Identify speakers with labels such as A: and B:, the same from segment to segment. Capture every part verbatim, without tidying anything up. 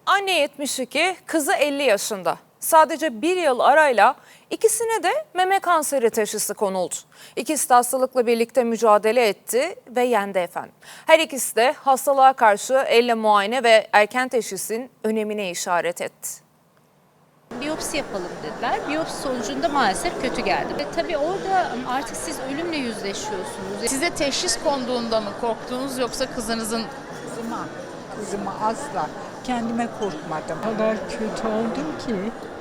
A: Anne yetmiş iki, kızı elli yaşında. Sadece bir yıl arayla ikisine de meme kanseri teşhisi konuldu. İkisi de hastalıkla birlikte mücadele etti ve yendi efendim. Her ikisi de hastalığa karşı elle muayene ve erken teşhisin önemine işaret etti.
B: Biyopsi yapalım dediler. Biyopsi sonucunda maalesef kötü geldi. Ve tabii orada artık siz ölümle yüzleşiyorsunuz.
C: Size teşhis konduğunda mı korktunuz yoksa kızınızın?
D: Kızıma, kızıma asla. Kendime korkmadım. O kadar kötü oldum ki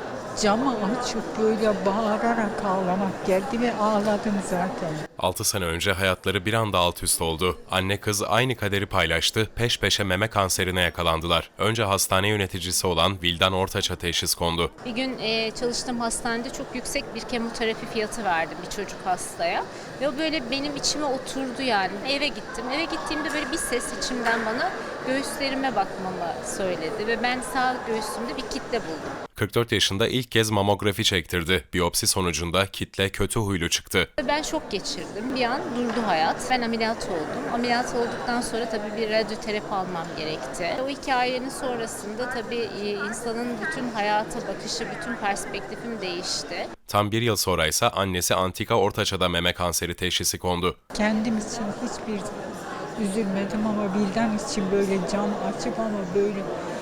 D: camı açıp böyle bağırarak ağlamak geldi ve ağladım zaten.
E: altı sene önce hayatları bir anda alt üst oldu. Anne kız aynı kaderi paylaştı, peş peşe meme kanserine yakalandılar. Önce hastane yöneticisi olan Vildan Ortaç'a teşhis kondu.
B: Bir gün e, çalıştığım hastanede çok yüksek bir kemoterapi fiyatı verdim bir çocuk hastaya. Ve o böyle benim içime oturdu yani. Eve gittim. Eve gittiğimde böyle bir ses içimden bana göğüslerime bakmamı söyledi. Ve ben sağ göğsümde bir kitle buldum.
E: kırk dört yaşında ilk kez mamografi çektirdi. Biyopsi sonucunda kitle kötü huylu çıktı.
B: Ben şok geçirdim. Bir an durdu hayat. Ben ameliyat oldum. Ameliyat olduktan sonra tabii bir radyoterapi almam gerekti. O hikayenin sonrasında tabii insanın bütün hayata bakışı, bütün perspektifim değişti.
E: Tam bir yıl sonra ise annesi Antika Ortaç'a da meme kanseri teşhisi kondu.
D: Kendim için hiçbir üzülmedim ama Vildan için böyle cam açıp ama böyle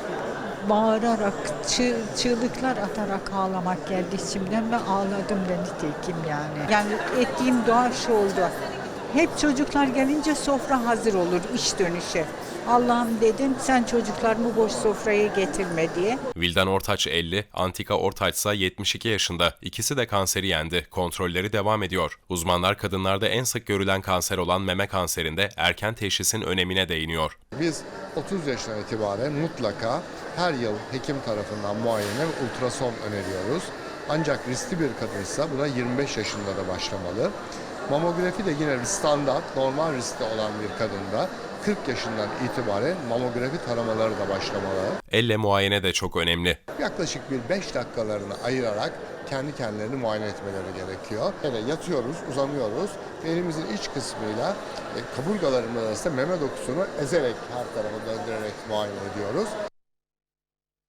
D: bağırarak, çığ, çığlıklar atarak ağlamak geldi içimden ve ağladım da nitekim yani. Yani ettiğim dua şu oldu. Hep çocuklar gelince sofra hazır olur iş dönüşü. Allah'ım dedim sen çocuklarımı boş sofraya getirme diye.
E: Vildan Ortaç elli, Antika Ortaç ise yetmiş iki yaşında. İkisi de kanseri yendi. Kontrolleri devam ediyor. Uzmanlar kadınlarda en sık görülen kanser olan meme kanserinde erken teşhisin önemine değiniyor.
F: Biz otuz yaşından itibaren mutlaka her yıl hekim tarafından muayene ve ultrason öneriyoruz. Ancak riskli bir kadınsa buna yirmi beş yaşında da başlamalı. Mamografi de yine standart, normal riskli olan bir kadında kırk yaşından itibaren mamografi taramaları da başlamalı.
E: Elle muayene de çok önemli.
F: Yaklaşık bir beş dakikalarını ayırarak kendi kendilerini muayene etmeleri gerekiyor. Yani yatıyoruz, uzanıyoruz ve elimizin iç kısmıyla e, kaburgalarımız arasında meme dokusunu ezerek her tarafa döndürerek muayene ediyoruz.